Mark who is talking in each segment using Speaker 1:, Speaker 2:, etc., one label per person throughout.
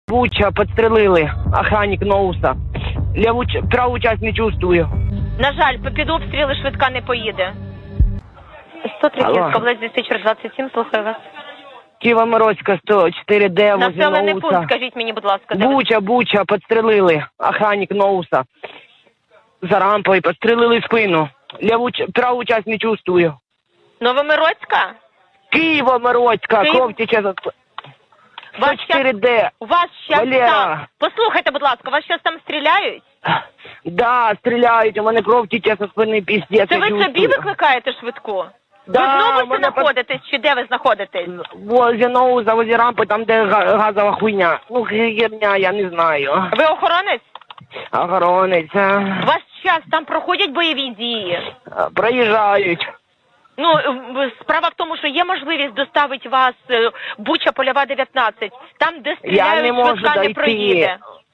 Speaker 1: Буча, подстрелили. Охранник Ноуса. Праву часть не чувствую.
Speaker 2: На жаль, під обстріли швидка не поїде. 103
Speaker 1: Алло.
Speaker 2: Київська область, диспетчер 27, слухаю вас.
Speaker 1: Києво-Мироцька, 104Д, возле
Speaker 2: Населений пункт,
Speaker 1: Ноуса.
Speaker 2: скажіть мені, будь ласка, де ви?
Speaker 1: Буча, подстрелили. Охранник Ноуса. За рампою подстрелили спину. Праву часть не чувствую.
Speaker 2: Новомироцька?
Speaker 1: Києво-Мироцька,
Speaker 2: Київ-
Speaker 1: кров тече за...
Speaker 2: Вас щас-
Speaker 1: 104Д.
Speaker 2: У вас щас
Speaker 1: Валера.
Speaker 2: там... Послухайте, будь ласка, вас щас там стріляють?
Speaker 1: Да, стріляють, у мене кров тече со спини, піздець.
Speaker 2: Це
Speaker 1: я
Speaker 2: ви собі
Speaker 1: чувствую.
Speaker 2: викликаєте швидку?
Speaker 1: Да,
Speaker 2: ви знову
Speaker 1: мене
Speaker 2: знаходитесь, чи де ви знаходитесь?
Speaker 1: Возле Ноуса, возле рампи, там, де газова хуйня. Ну, херня, я не знаю.
Speaker 2: Ви охоронець?
Speaker 1: Охоронець.
Speaker 2: У вас час там проходять бойові дії?
Speaker 1: Проїжджають.
Speaker 2: Ну, справа в тому, що є можливість доставити вас Буча, Польова, 19. Там, де
Speaker 1: Я
Speaker 2: стріляють,
Speaker 1: не можу
Speaker 2: швидка не
Speaker 1: дойти.
Speaker 2: проїде.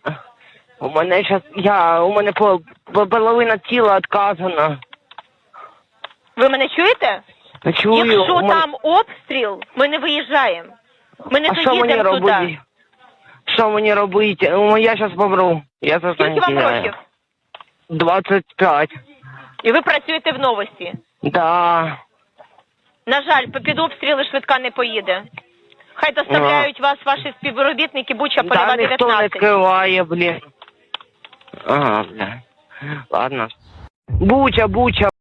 Speaker 1: У мене половина тіла відказана.
Speaker 2: Ви мене чуєте?
Speaker 1: Чую.
Speaker 2: Якщо
Speaker 1: у мене-
Speaker 2: там обстріл, ми не виїжджаємо. Ми не
Speaker 1: А що мені
Speaker 2: доїдемо туди.
Speaker 1: робити? Що мені робити? Я зараз помру. Я
Speaker 2: Скільки вам років?
Speaker 1: 25.
Speaker 2: І ви працюєте в новості.
Speaker 1: Да.
Speaker 2: На жаль, під обстріли швидка не поїде. Хай доставляють вас ваші співробітники Буча, Польова,
Speaker 1: Да, ніхто не
Speaker 2: 19.
Speaker 1: скриває, блін. Ага, бля. Ладно. Буча.